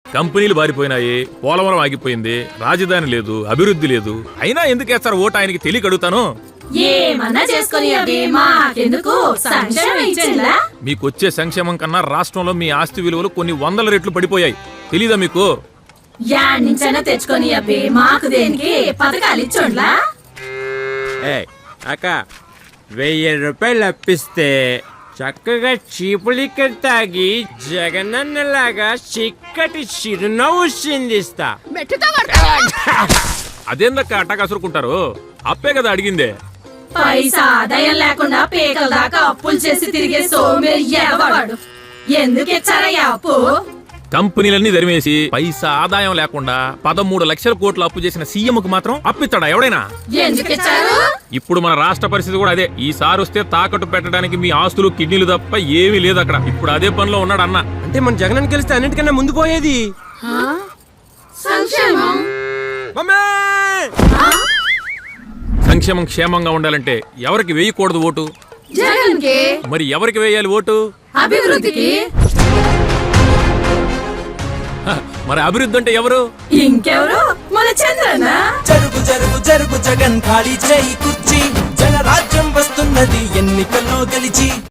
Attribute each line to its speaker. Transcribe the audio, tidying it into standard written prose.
Speaker 1: కంపెనీలు బారిపోయినాయి, పోలవరం ఆగిపోయింది, రాజధాని లేదు, అభివృద్ధి లేదు. అయినా ఎందుకు వేస్తారు ఓటు ఆయనకి తెలియక అడుగుతాను.
Speaker 2: ఏమన్నా చేసుకుని అవి మాకెందుకు సంక్షేమం ఇచ్చేలా?
Speaker 1: మీకొచ్చే సంక్షేమం కన్నా రాష్ట్రంలో మీ ఆస్తి విలువలు కొన్ని 100 రెట్లు పడిపోయాయి. తెలీదా మీకు?
Speaker 2: యాడ్నించైనా తెచ్చుకొని అవి మాకు దేనికి పథకాలు ఇచ్చోండ్లా?
Speaker 3: అక్క 1000 రూపాయలు అప్పిస్తే చక్కగా చీపులిక్కడి తాగి జగనన్నలాగా చిక్కటి చిరునవ్వు చిందిస్తా.
Speaker 1: అదేందక్క అట్టా కసురుకుంటారు? అప్పే కదా అడిగిందే.
Speaker 2: పైసా ఆదాయం లేకుండా పేకల దాకా అప్పులు చేసి తిరిగే సోమేరి ఎగవాడు. ఎందుకు ఇచ్చారయ్యా అప్పు?
Speaker 1: కంపెనీలన్నీ ధరిమేసి పైసా ఆదాయం లేకుండా 13 లక్షల కోట్లు అప్పు చేసిన సీఎంకు మాత్రం అప్పిస్తాడా ఎవడైనా?
Speaker 2: ఎందుకు ఇచ్చారు? ఇప్పుడు
Speaker 1: మన రాష్ట్ర పరిస్థితి కూడా అదే. ఈసారి వస్తే తాకట్టు పెట్టడానికి మీ ఆస్తులు కిడ్నీలు తప్ప ఏమీ లేదు అక్కడ. ఇప్పుడు అదే పనిలో ఉన్నాడు అన్న.
Speaker 3: అంటే మన జగన్ గెలిస్తే అన్నిటికన్నా ముందు పోయేది
Speaker 2: సంక్షేమం.
Speaker 1: సంక్షేమం క్షేమంగా ఉండాలంటే ఎవరికి వేయకూడదు ఓటు?
Speaker 2: జగన్ కి.
Speaker 1: మరి ఎవరికి వేయాలి ఓటు?
Speaker 2: అభివృద్ధికి.
Speaker 1: మరి అభివృద్ధి అంటే ఎవరు?
Speaker 2: ఇంకెవరు? మన చంద్రన్న.
Speaker 4: జరుగు జరుగు జరుగు జగన్ ఖాళీ చేయి కుర్చీ, జనరాజ్యం వస్తున్నది ఎన్నికల్లో గెలిచి.